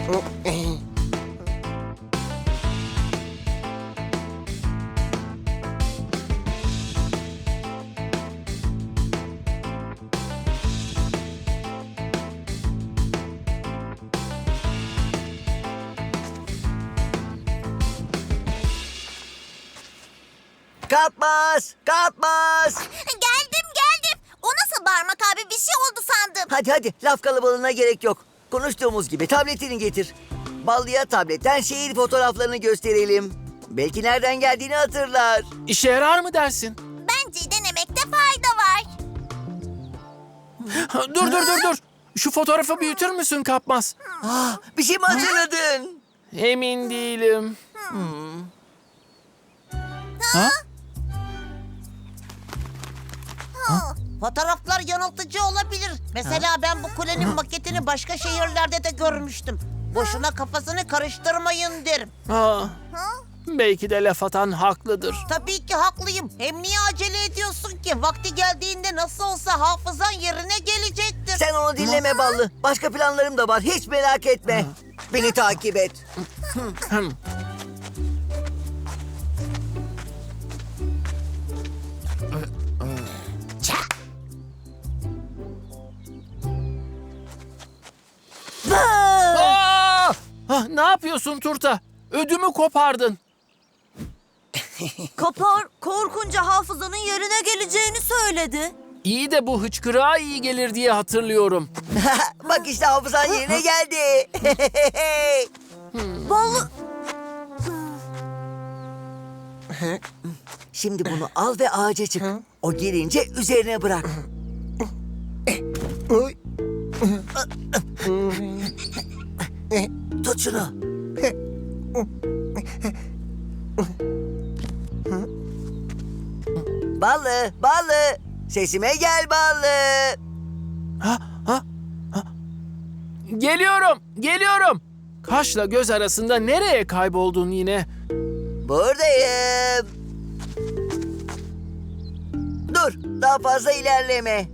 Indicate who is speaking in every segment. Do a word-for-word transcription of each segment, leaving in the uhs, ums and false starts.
Speaker 1: Kapmaz! Kapmaz!
Speaker 2: Geldim geldim. O nasıl bağırmak abi, bir şey oldu sandım.
Speaker 1: Hadi hadi laf kalabalığına gerek yok. Konuştuğumuz gibi tabletini getir. Ballıya tabletten şehir fotoğraflarını gösterelim. Belki nereden geldiğini hatırlar.
Speaker 3: İşe yarar mı dersin?
Speaker 2: Bence denemekte fayda var.
Speaker 3: Ha, dur dur dur dur. Şu fotoğrafı büyütür müsün Kapmaz?
Speaker 1: Ah, bir şey mi hatırladın?
Speaker 3: Emin değilim. Ha?
Speaker 4: Fotoğraflar yanıltıcı olabilir. Mesela ben bu kulenin maketini başka şehirlerde de görmüştüm. Boşuna kafasını karıştırmayın derim.
Speaker 3: Ha. Belki de laf atan haklıdır.
Speaker 4: Tabii ki haklıyım. Hem niye acele ediyorsun ki? Vakti geldiğinde nasıl olsa hafızan yerine gelecektir.
Speaker 1: Sen onu dinleme Ballı. Başka planlarım da var. Hiç merak etme. Beni takip et.
Speaker 3: Hım. Aa! Ah, ne yapıyorsun Turta? Ödümü kopardın.
Speaker 2: Kapar korkunca hafızanın yerine geleceğini söyledi.
Speaker 3: İyi de bu hıçkırığa iyi gelir diye hatırlıyorum.
Speaker 1: Bak işte hafızan yerine geldi.
Speaker 2: Ballı...
Speaker 1: Şimdi bunu al ve ağaca çık. O gelince üzerine bırak. Tut şunu. Ballı, Ballı. Sesime gel Ballı.
Speaker 3: Ha, ha, ha. Geliyorum, geliyorum. Kaşla göz arasında nereye kayboldun yine?
Speaker 1: Buradayım. Dur, daha fazla ilerleme.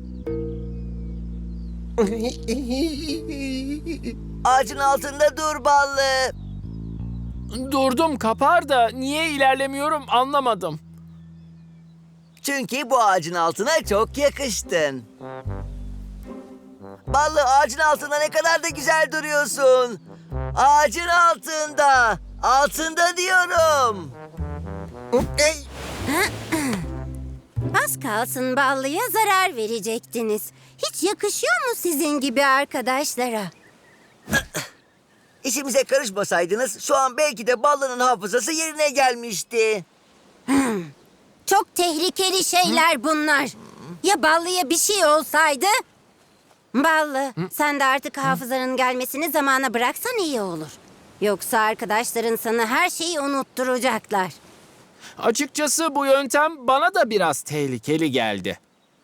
Speaker 1: Ağacın altında dur Ballı.
Speaker 3: Durdum Kapar da niye ilerlemiyorum anlamadım.
Speaker 1: Çünkü bu ağacın altına çok yakıştın. Ballı, ağacın altında ne kadar da güzel duruyorsun. Ağacın altında. Altında diyorum.
Speaker 5: Az kalsın Ballı'ya zarar verecektiniz. Hiç yakışıyor mu sizin gibi arkadaşlara?
Speaker 1: İşimize karışmasaydınız şu an belki de Ballı'nın hafızası yerine gelmişti.
Speaker 5: Çok tehlikeli şeyler bunlar. Ya Ballı'ya bir şey olsaydı? Ballı, sen de artık hafızanın gelmesini zamana bıraksan iyi olur. Yoksa arkadaşların sana her şeyi unutturacaklar.
Speaker 3: Açıkçası bu yöntem bana da biraz tehlikeli geldi.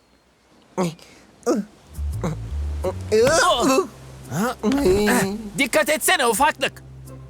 Speaker 3: Dikkat etsene ufaklık.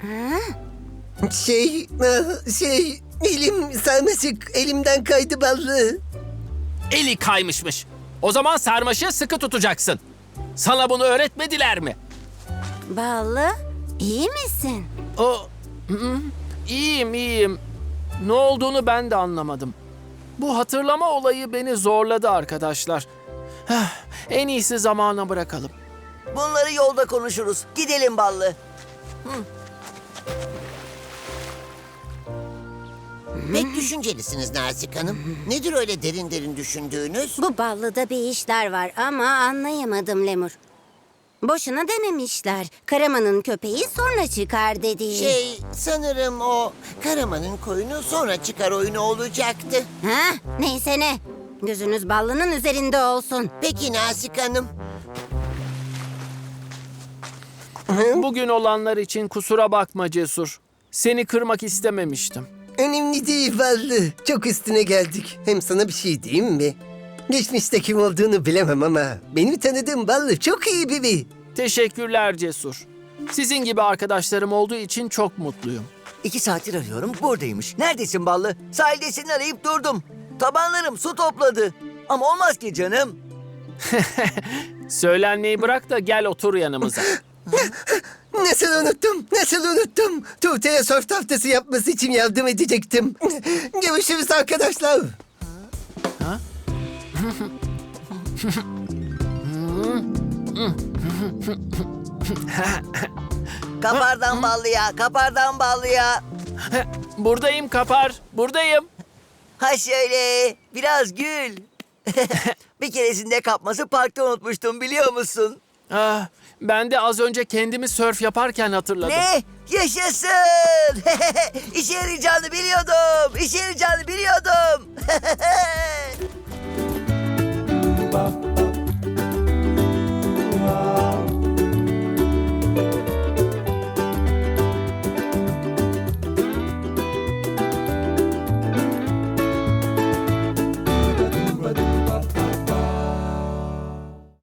Speaker 6: Şey, ah, şey, elim sarmaşık elimden kaydı Ballı.
Speaker 3: Eli kaymışmış. O zaman sarmaşığı sıkı tutacaksın. Sana bunu öğretmediler mi?
Speaker 5: Ballı, iyi misin?
Speaker 3: O, Hı hı. İyiyim, iyiyim. Ne olduğunu ben de anlamadım. Bu hatırlama olayı beni zorladı arkadaşlar. Heh, en iyisi zamana bırakalım.
Speaker 1: Bunları yolda konuşuruz. Gidelim Ballı.
Speaker 4: Pek düşüncelisiniz Nazik Hanım. Nedir öyle derin derin düşündüğünüz?
Speaker 5: Bu Ballı'da bir işler var ama anlayamadım Lemur. Boşuna dememişler. Karaman'ın köpeği sonra çıkar dediği.
Speaker 4: Şey, sanırım o Karaman'ın koyunu sonra çıkar oyunu olacaktı.
Speaker 5: Ha, neyse ne. Gözünüz Ballı'nın üzerinde olsun.
Speaker 4: Peki Nazik Hanım.
Speaker 3: Bugün olanlar için kusura bakma Cesur. Seni kırmak istememiştim.
Speaker 6: Önemli değil Ballı. Çok üstüne geldik. Hem sana bir şey diyeyim mi? Geçmişte kim olduğunu bilemem ama benim tanıdığım Ballı çok iyi biri.
Speaker 3: Teşekkürler Cesur. Sizin gibi arkadaşlarım olduğu için çok mutluyum.
Speaker 1: İki saattir arıyorum, buradaymış. Neredesin Ballı? Sahildesin, arayıp durdum. Tabanlarım su topladı. Ama olmaz ki canım.
Speaker 3: Söylenmeyi bırak da gel otur yanımıza.
Speaker 6: Nasıl unuttum? Nasıl unuttum? Tuğte'ye surf tahtası yapması için yardım edecektim. Görüşürüz arkadaşlar.
Speaker 1: Kapardan ballıya, kapardan ballıya.
Speaker 3: Buradayım Kapar, buradayım.
Speaker 1: Ha şöyle, biraz gül. Bir keresinde kapması parkta unutmuştum biliyor musun?
Speaker 3: Ah, ben de az önce kendimi sörf yaparken hatırladım.
Speaker 1: Ne? Yaşasın! İşe yarayacağını biliyordum. İşe yarayacağını biliyordum.